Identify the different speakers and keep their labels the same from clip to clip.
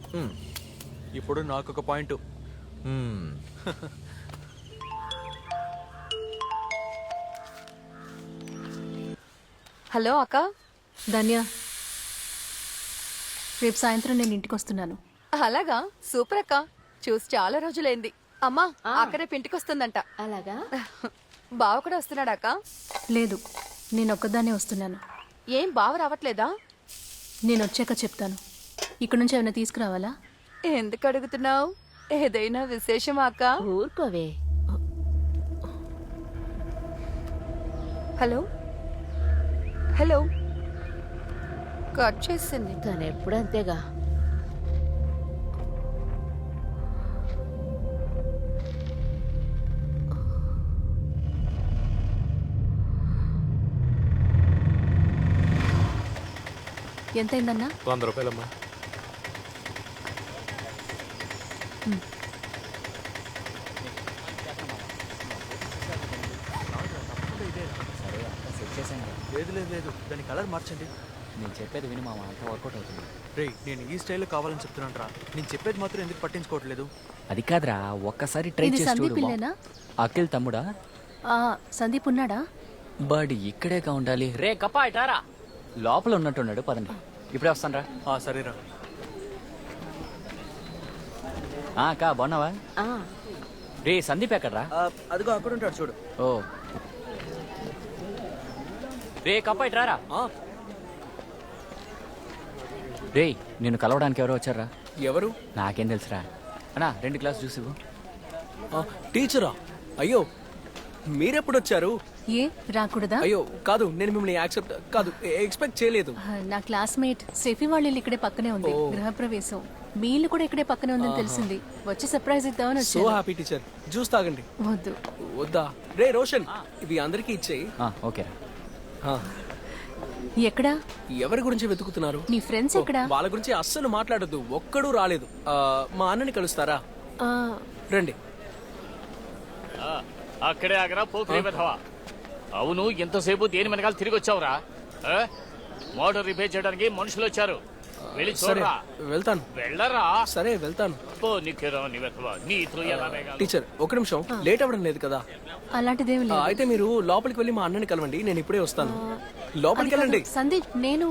Speaker 1: ఇప్పుడు నాకు ఒక పాయింట్.
Speaker 2: హలో అక్క.
Speaker 3: ధన్య, రేపు సాయంత్రం నేను ఇంటికి వస్తున్నాను.
Speaker 2: అలాగా, సూపర్ అక్క. చూసి చాలా రోజులైంది. అమ్మా అక్క రేపు ఇంటికి వస్తుందంట.
Speaker 4: అలాగా?
Speaker 2: బావ కూడా వస్తున్నాడా అక్క?
Speaker 3: లేదు, నేను ఒక్కదాన్నే వస్తున్నాను.
Speaker 2: ఏం బావ రావట్లేదా?
Speaker 3: నేను వచ్చాక చెప్తాను. ఇక్కడ నుంచి ఏమైనా తీసుకురావాలా?
Speaker 2: ఎందుకు అడుగుతున్నావు? ఏదైనా విశేషమా అక్క?
Speaker 4: ఊరుకోవే.
Speaker 2: హలో హలో, కట్ చేసింది.
Speaker 4: తను ఎప్పుడు అంతేగా.
Speaker 3: ఎంతైందన్నా?
Speaker 1: 100 రూపాయలమ్మా. లేదు లేదు లేదు, దాని కలర్ మార్చండి.
Speaker 5: నేను చెప్పేది విని మామ, అంత వర్కౌట్ అవుతుంది.
Speaker 1: రే, నేను ఈ స్టైల్లో కావాలని చెప్తున్నాను రా. నేను చెప్పేది మాత్రం ఎందుకు పట్టించుకోవట్లేదు?
Speaker 5: అది కాదురా, ఒక్కసారి ట్రై
Speaker 3: ఇది
Speaker 5: చేసి
Speaker 3: సందీప్
Speaker 5: చూడు.
Speaker 3: ఇల్లేనా?
Speaker 5: అఖిల్ తమ్ముడా?
Speaker 3: సందీప్ ఉన్నాడా?
Speaker 5: బడ్ ఇక్కడేగా ఉండాలి. రే కప్పా ఇటారా, లోపల ఉన్నట్టున్నాడు. పదండి, ఇప్పుడే వస్తాను రా.
Speaker 1: సరేరా.
Speaker 5: అక్క బాగున్నావా? రే సందీప్ ఎక్కడ్రా?
Speaker 1: అదిగో అక్కడ ఉంటాడు చూడు.
Speaker 5: ఓ రే కప్పా ఇటారా. రే నేను కలవడానికి ఎవరో వచ్చారా?
Speaker 6: ఎవరు?
Speaker 5: నాకేం తెలుసురా. అన్నా 2 గ్లాస్ జ్యూస్ ఇవ్వు.
Speaker 6: టీచరా? అయ్యో, మీరెప్పుడు వచ్చారు?
Speaker 3: ఏ రాకూడదా?
Speaker 6: అయ్యో కాదు, నేను మిమ్మల్ని ఎక్స్పెక్ట్ చేయలేదు.
Speaker 3: నా క్లాస్మేట్ సెఫీ వాళ్ళ ఇల్లు ఇక్కడే పక్కనే ఉంది. గృహప్రవేశం. మీ ఇల్లు కూడా ఇక్కడే పక్కనే ఉందని తెలిసింది. వచ్చి సర్ప్రైజ్ ఇద్దామని
Speaker 6: సో
Speaker 3: వచ్చాను.
Speaker 6: Happy teacher. జ్యూస్ తాగండి.
Speaker 3: వద్దు.
Speaker 6: వద్దా? రే రోషన్, ఇవి అందరికీ ఇచ్చేయి.
Speaker 5: ఓకేరా.
Speaker 3: ఎక్కడా?
Speaker 6: ఎవరి గురించి వెతుకుతున్నారు?
Speaker 3: నీ ఫ్రెండ్స్ ఎక్కడా?
Speaker 6: వాళ్ళ గురించి అస్సలు మాట్లాడొద్దు. ఒక్కడూ రాలేదు. మా అన్నని కలుస్తారా? రండి.
Speaker 7: అక్కడే ఆగరా పోకిరి వెధవా. అవును, ఎంతసేపు దేని వెనకాల తిరిగి వచ్చావురా? మోటార్ రిపేర్ చేయడానికి మనుషులు వచ్చారు. వెళ్ళి
Speaker 6: సరే
Speaker 7: చూడరా.
Speaker 6: వెళ్తాను.
Speaker 7: వెళ్ళరా.
Speaker 6: సరే వెళ్తాను.
Speaker 7: పో నీకేరా నీ వెధవా. నీతో ఎలా వేగాలి?
Speaker 6: టీచర్ ఒక నిమిషం, లేట్ అవ్వడం లేదు కదా?
Speaker 3: అలాంటిదేమి లేదు.
Speaker 6: అయితే మీరు లోపలికి వెళ్ళి మా అన్నని కలవండి, నేను ఇప్పుడే వస్తాను. లోపలికి వెళ్ళండి.
Speaker 3: సందీప్, నేను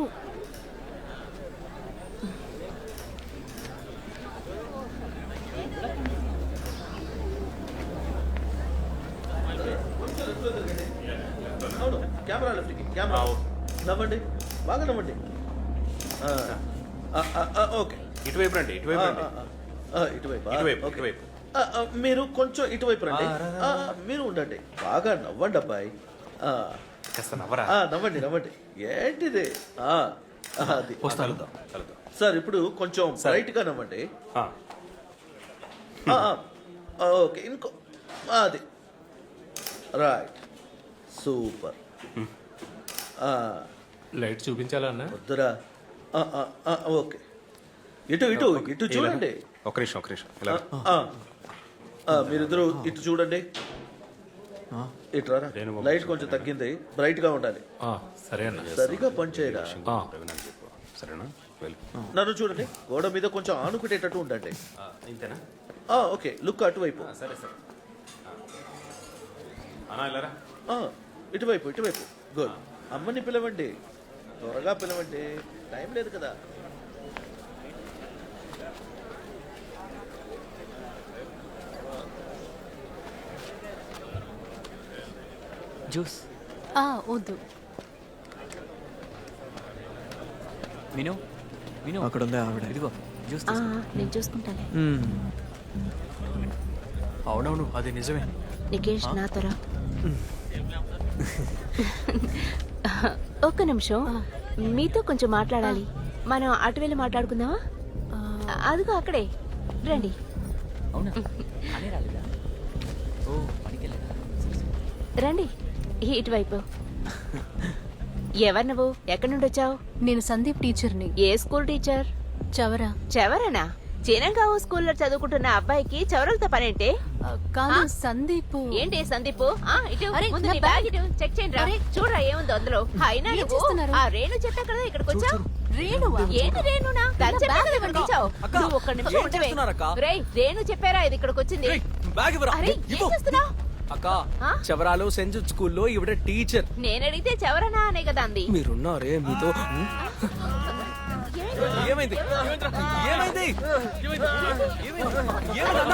Speaker 8: నవ్వండి, బాగా నవ్వండి. ఓకే,
Speaker 9: ఇటువైపు రండి.
Speaker 8: ఇటువైపు. మీరు కొంచెం ఇటువైపు రండి. మీరు ఉండండి, బాగా నవ్వండి అబ్బాయి. నవ్వండి. ఏంటిది? అది సార్, ఇప్పుడు కొంచెం బ్రైట్ గా నవ్వండి. ఓకే, ఇంకో అది రైట్, సూపర్.
Speaker 9: లైట్ చూపించాలన్నా?
Speaker 8: వద్దురా. ఓకే, ఇటు చూడండి.
Speaker 9: ఒక నిమిషం ఇలా.
Speaker 8: మీరిద్దరు ఇటు చూడండి. ఇటు రారా. లైట్ కొంచెం తగ్గింది, బ్రైట్ గా ఉండాలి.
Speaker 9: సరే అన్న.
Speaker 8: సరిగా పని చేయరా.
Speaker 9: సరేనా?
Speaker 8: నన్ను చూడండి, గోడ మీద కొంచెం ఆనుకునేటట్టు ఉండండి.
Speaker 9: ఇంతేనా?
Speaker 8: ఓకే, లుక్ అటువైపు.
Speaker 9: సరే అన్నా ఇలారా.
Speaker 8: ఇటువైపు. గుడ్. అమ్మని పిలవండి, త్వరగా పిలవండి, టైం లేదు కదా.
Speaker 5: జ్యూస్
Speaker 3: వద్దు.
Speaker 5: విను
Speaker 1: అక్కడ ఉందా ఆవిడ?
Speaker 5: ఇదిగో జ్యూస్.
Speaker 4: నేను చూసుకుంటాను.
Speaker 1: అవునవును, అది నిజమే.
Speaker 4: నికేష్ నాతోరా. ఒక్క నిమిషం, మీతో కొంచెం మాట్లాడాలి. మనం అటు వెళ్ళి మాట్లాడుకుందామా? అదిగో అక్కడే, రండి.
Speaker 5: అవునా? అనే రాలేదా? ఓ పనికెళ్ళదా?
Speaker 4: రండి ఇటువైపు. ఎవరు నువ్వు? ఎక్కడి నుండి వచ్చావు?
Speaker 3: నేను సందీప్ టీచర్ని.
Speaker 4: ఏ స్కూల్ టీచర్?
Speaker 3: చవరా.
Speaker 4: చెవరనా? చిరంగావు స్కూల్లో చదువుకుంటున్న అబ్బాయికి చౌరలతో పనేంటే?
Speaker 3: కాదు సందీప్.
Speaker 4: ఏంటి సందీప్? ఇటు
Speaker 3: అరే,
Speaker 4: ముందు
Speaker 3: నా
Speaker 4: నీ బ్యాగ్ ఇటు చెక్ చేయండి రా. చూడరా ఏముందో అందులో. అయినా
Speaker 3: ఏం
Speaker 4: నువ్వు
Speaker 3: చేస్తున్నారు?
Speaker 4: ఆ రేణు చెప్పా కదా ఇక్కడికి వచ్చావు.
Speaker 3: రేణువా?
Speaker 4: ఏంటి రేణునా? తను చెప్పా కదా ఇక్కడికి వచ్చావు.
Speaker 6: అక్క,
Speaker 4: నువ్వు ఒక్క నిమిషం
Speaker 6: ఏం
Speaker 4: ఉండవే.
Speaker 6: చేస్తున్నారక్క?
Speaker 4: రేయ్, రేణు చెప్పారా ఇది ఇక్కడికి వచ్చింది?
Speaker 6: బ్యాగ్ ఇవ్వరా?
Speaker 4: అరే ఏం
Speaker 6: ఇవ్వు.
Speaker 4: చేస్తున్నావు?
Speaker 6: అక్క
Speaker 4: ఆ?
Speaker 6: చవరాలు సెంజుట్ స్కూల్లో ఇవిడ టీచర్.
Speaker 4: నేను అడిగితే చెవరనా అనే కదా అంది.
Speaker 6: మీరున్నారే మీతో. ఏమైంది? ఏమైంది? ఏమైందన్నా?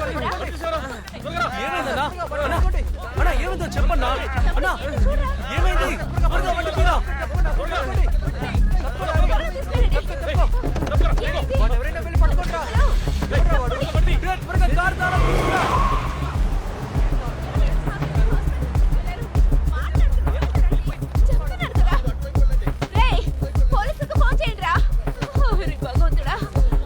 Speaker 6: అన్నా ఏమైందో చెప్పన్నా. అన్నా ఏమైంది? త్వరగా బండి తీరా. త్వరగా కారు తాళం తీసుకురా.
Speaker 4: రేయ్, పోలీసులకు ఫోన్ చేయండి రా. ఓరి భగవంతుడా.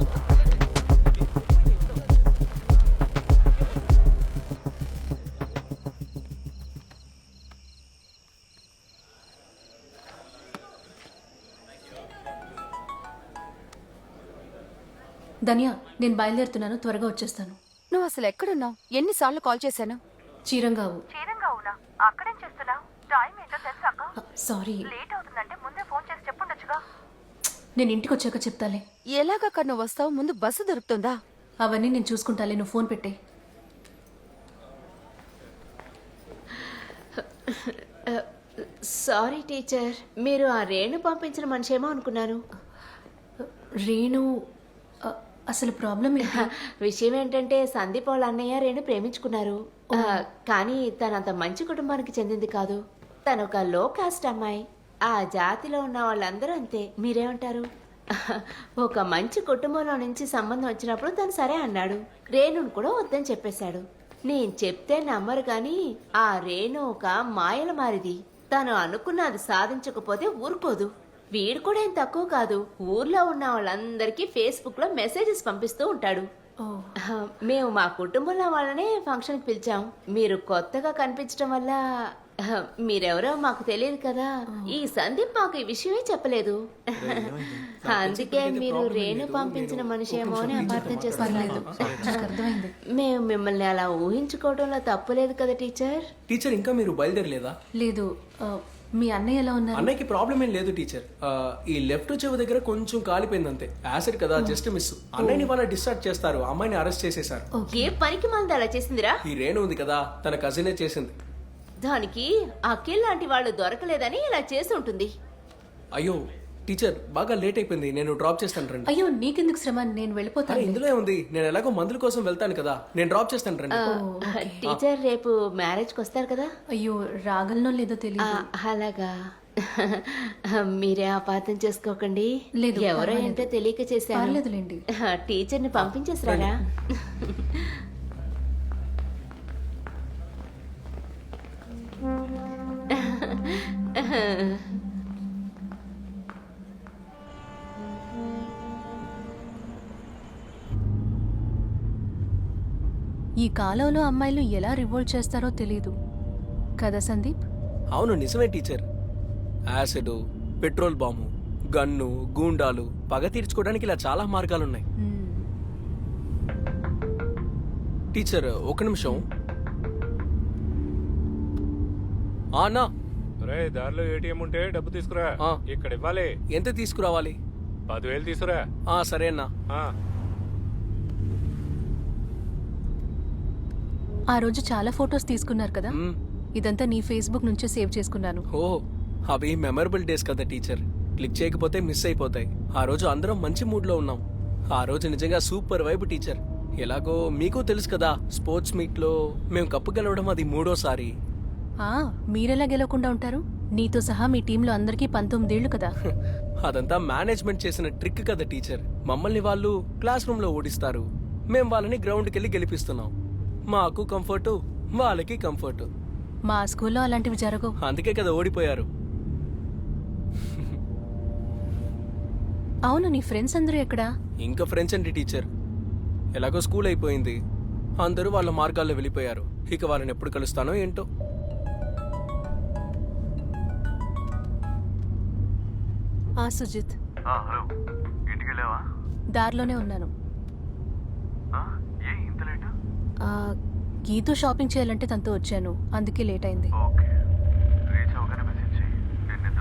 Speaker 3: ధన్య, నేను బయలుదేరుతున్నాను, త్వరగా వచ్చేస్తాను.
Speaker 2: నువ్వు అసలు ఎక్కడున్నావు? ఎన్నిసార్లు కాల్ చేశాను?
Speaker 3: చీరంగావు.
Speaker 2: చీరంగావునా? అక్కడేం చేస్తున్నావు? టైం ఏంటో తెలుసాక?
Speaker 3: సారీ,
Speaker 2: లేట్ అవుతుందంటే ముందే ఫోన్ చేసి చెప్పుండొచ్చుగా.
Speaker 3: నేను ఇంటికి వచ్చాక చెప్తాలే.
Speaker 2: ఎలాగక్కడ నువ్వు వస్తావు? ముందు బస్సు దొరుకుతుందా?
Speaker 3: అవన్నీ నేను చూసుకుంటాలే, నువ్వు ఫోన్ పెట్టే.
Speaker 4: సారీ టీచర్, మీరు ఆ రేణు పంపించిన మనిషి ఏమో అనుకున్నాను.
Speaker 3: రేణు అసలు ప్రాబ్లం ఏంటి?
Speaker 4: విషయం ఏంటంటే సందీప్ వాళ్ళ అన్నయ్య రేణు ప్రేమించుకున్నారు. కానీ తనంత మంచి కుటుంబానికి చెందింది కాదు. తను ఒక లో కాస్ట్ అమ్మాయి. ఆ జాతిలో ఉన్న వాళ్ళందరూ అంతే. మీరేమంటారు? ఒక మంచి కుటుంబంలో నుంచి సంబంధం వచ్చినప్పుడు తను సరే అన్నాడు. రేణును కూడా వద్దని చెప్పేశాడు. నేను చెప్తే నమ్మరు కానీ ఆ రేణు ఒక మాయల మారిది. తను అనుకున్నది సాధించకపోతే ఊరుకోదు. వీడు కూడా ఏం తక్కువ కాదు. ఊర్లో ఉన్న వాళ్ళందరికీ ఫేస్బుక్ లో మెసేజెస్ పంపిస్తూ ఉంటాడు. మేము మా కుటుంబంలో వాళ్ళనే ఫంక్షన్కి పిలిచాం. మీరు కొత్తగా కనిపించడం వల్ల మీరెవరో మాకు తెలియదు కదా. ఈ సందీప్ మాకు ఈ విషయమే చెప్పలేదు. అందుకే మీరు రేణు పంపించిన మనిషి ఏమో అని అపార్థం చేస్తున్నారు.
Speaker 3: అర్థమైంది.
Speaker 4: మేము మిమ్మల్ని అలా ఊహించుకోవడంలో తప్పులేదు కదా టీచర్.
Speaker 6: టీచర్ ఇంకా మీరు బయలుదేరలేదా?
Speaker 3: లేదు. మీ అన్నయ్య ఎలా ఉన్నారు?
Speaker 6: అన్నయ్యకి ప్రాబ్లం ఏం లేదు టీచర్. ఈ లెఫ్ట్ చెవి దగ్గర కొంచెం కాలిపోయింది అంతే. యాసిడ్ కదా, జస్ట్ మిస్. అన్నయ్యని వాళ్ళ డిశ్చార్జ్ చేస్తారు. అమ్మాయిని అరెస్ట్ చేసేశారు.
Speaker 4: ఏ పనికి మంది అలా చేసిందిరా?
Speaker 6: ఈ రేణు ఉంది కదా, తన కజినే చేసింది.
Speaker 4: దానికి అఖిల్ లాంటి వాళ్ళు దొరకలేదని ఇలా చేసి ఉంటుంది.
Speaker 6: అయ్యో టీచర్, బాగా లేట్ అయిపోయింది. నేను డ్రాప్ చేస్తాను రండి.
Speaker 3: అయ్యో నీకెందుకు శ్రమ, నేను వెళ్ళిపోతాను.
Speaker 6: ఇందులో ఉంది, నేను ఎలాగో మందుల కోసం వెళ్తాను కదా, నేను డ్రాప్ చేస్తాను రండి.
Speaker 4: టీచర్ రేపు మ్యారేజ్కి వస్తారు కదా?
Speaker 3: అయ్యో రాగలనో లేదో తెలియదు.
Speaker 4: అలాగా. మీరే అపార్థం చేసుకోకండి.
Speaker 3: లేదు,
Speaker 4: ఎవరో
Speaker 3: పర్వాలేదు.
Speaker 4: ఏంటో తెలియక చేశాను.
Speaker 3: పర్లేదులేండి.
Speaker 4: టీచర్ని పంపించేసారా?
Speaker 3: ఈ కాలంలో అమ్మాయిలు ఎలా రివోల్ట్ చేస్తారో తెలీదు కదా సందీప్?
Speaker 6: అవును నిజమే teacher. Acid, petrol bomb, gun, గూండాలు, పగ తీర్చుకోవడానికి ఇలా చాలా మార్గాలున్నాయి. టీచర్ ఒక నిమిషం. అన్నా,
Speaker 9: రే దారిలో ఏటీఎం ఉంటే డబ్బు తీసుకురా.
Speaker 6: ఆ.
Speaker 9: ఇక్కడ ఇవ్వాలి.
Speaker 6: ఎంత తీసుకురావాలి?
Speaker 9: 10,000 తీసుకురా.
Speaker 6: సరే అన్నా.
Speaker 3: ఆ రోజు చాలా ఫొటోస్ తీసుకున్నారు కదా,
Speaker 6: మ్.
Speaker 3: ఇదంతా నీ ఫేస్బుక్ నుంచే సేవ్ చేసుకున్నాను.
Speaker 6: ఓ అవి మెమరబుల్ డేస్ కదా టీచర్. క్లిక్ చేయకపోతే మిస్ అయిపోతాయి. ఆ రోజు అందరం మంచి మూడ్ లో ఉన్నాం. ఆ రోజు నిజంగా సూపర్ వైబ్ టీచర్. ఎలాగో మీకు తెలుసు కదా, స్పోర్ట్స్ మీట్ లో మేము కప్పు గెలవడం అది 3వ సారి.
Speaker 3: మీరెలా గెలవకుండా ఉంటారు? నీతో సహా మీ టీంలో అందరికీ 19 ఏళ్లు కదా.
Speaker 6: అదంతా మేనేజ్మెంట్ చేసిన ట్రిక్ కదా టీచర్. మమ్మల్ని వాళ్ళు క్లాస్ రూమ్ లో ఓడిస్తారు, మేం వాళ్ళని గ్రౌండ్కి వెళ్ళి గెలిపిస్తున్నాం. మాకు కంఫర్టు, వాళ్ళకి కంఫర్టు.
Speaker 3: మా స్కూల్లో అలాంటివి జరగవు.
Speaker 6: అందుకే కదా ఓడిపోయారు.
Speaker 3: అవును, నీ ఫ్రెండ్స్ అందరూ ఎక్కడా?
Speaker 6: ఇంకా ఫ్రెండ్స్ అండి టీచర్. ఎలాగో స్కూల్ అయిపోయింది, అందరూ వాళ్ళ మార్గాల్లో వెళ్ళిపోయారు. ఇక వాళ్ళని ఎప్పుడు కలుస్తానో ఏంటో.
Speaker 3: సుజిత్, దారిలోనే ఉన్నాను. గీతో షాపింగ్ చేయాలంటే తనతో వచ్చాను, అందుకే లేట్ అయింది.
Speaker 1: ఓకే